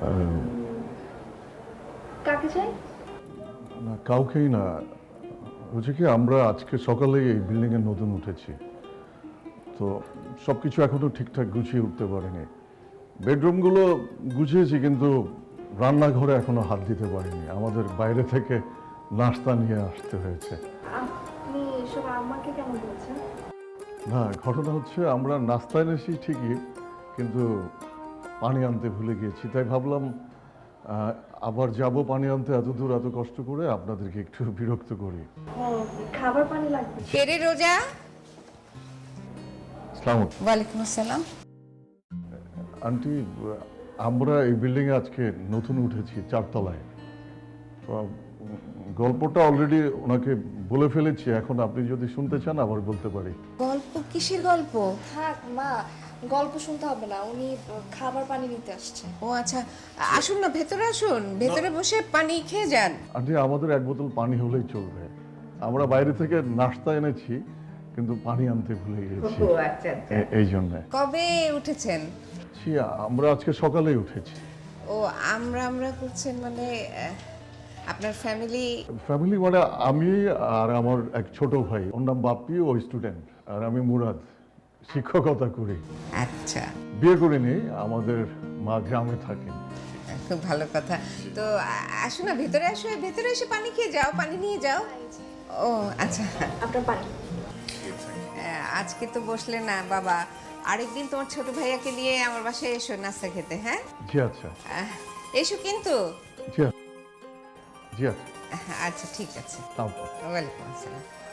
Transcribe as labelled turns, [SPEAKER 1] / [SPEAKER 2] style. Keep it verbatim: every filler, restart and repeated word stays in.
[SPEAKER 1] কাকে চাই?
[SPEAKER 2] না, কাউকেই না। হচ্ছে কি, আমরা আজকে সকালেই এই বিল্ডিংয়ে নতুন উঠেছি, তো সব কিছু এখনো ঠিকঠাক গুছিয়ে উঠতে পারিনি। বেডরুমগুলো গুছিয়েছি, কিন্তু রান্নাঘরে এখনো হাত দিতে পারিনি। আমাদের বাইরে থেকে নাস্তা নিয়ে আসতে হয়েছে।
[SPEAKER 1] আপনি এসব আমাকে কেন বলছেন?
[SPEAKER 2] না, ঘটনা হচ্ছে আমরা নাস্তা এনেছি ঠিকই, কিন্তু পানি আনতে ভুলে গিয়েছি। তাই ভাবলাম আহ, আবার যাব পানি আনতে এত দূর, এত কষ্ট করে আপনাদেরকে একটু বিরক্ত করি।
[SPEAKER 1] ও, খাবার পানি লাগবে?
[SPEAKER 3] কেরে রোজা?
[SPEAKER 2] আসসালামু
[SPEAKER 3] ওয়ালাইকুম আসসালাম।
[SPEAKER 2] আন্টি, আমরা এই বিল্ডিংয়ে আজকে নতুন উঠেছি, চারতলায়। তো গল্পটা অলরেডি ওনাকে বলে ফেলেছি। এখন আপনি যদি শুনতে চান আবার বলতে পারি।
[SPEAKER 3] গল্প? কিসের গল্প?
[SPEAKER 1] থাক মা, গল্প শুনতে হবে না, উনি খাবার পানি নিতে আসছে।
[SPEAKER 3] ও আচ্ছা, আসুন না, ভেতরে আসুন, ভেতরে বসে পানি খেয়ে যান।
[SPEAKER 2] আন্টি, আমাদের এক বোতল পানি হলেই চলবে। আমরা বাইরে থেকে নাস্তা এনেছি, কিন্তু পানি আনতে ভুলে গিয়েছি।
[SPEAKER 3] ও আচ্ছা আচ্ছা।
[SPEAKER 2] এ- এই জন্যে।
[SPEAKER 3] কবে উঠেছেন?
[SPEAKER 2] ছি, আমরা আজকে সকালেই উঠেছি।
[SPEAKER 3] ও, আমরা আমরা করছেন মানে আহ, আপনার ফ্যামিলি?
[SPEAKER 2] ফ্যামিলি মানে আমি আর আমার এক ছোট ভাই, ওর নাম বাপ্পি, ও স্টুডেন্ট, আর আমি মুরাদ, শিক্ষকতা করি।
[SPEAKER 3] আচ্ছা,
[SPEAKER 2] বিয়ে করিনি, আমাদের মা গ্রামে থাকেন।
[SPEAKER 3] খুব ভালো কথা। তো আ- আসুন না, ভেতরে আসো, ভেতরে এসে পানি খেয়ে যাও, পানি নিয়ে যাও। ও আচ্ছা,
[SPEAKER 1] আপনার পানি।
[SPEAKER 3] আহ, আজকে তো বসলে না বাবা, আরেকদিন তোমার ছোট ভাইয়াকে নিয়ে আমার বাসায় এসো নাস্তা খেতে। হ্যাঁ,
[SPEAKER 2] জি আচ্ছা।
[SPEAKER 3] আহ, এসো কিন্তু।
[SPEAKER 2] জি আচ্ছা। জি আচ্ছা।
[SPEAKER 3] আচ্ছা ঠিক আছে।
[SPEAKER 2] তারপর
[SPEAKER 3] ওয়ালাইকুম আসসালাম।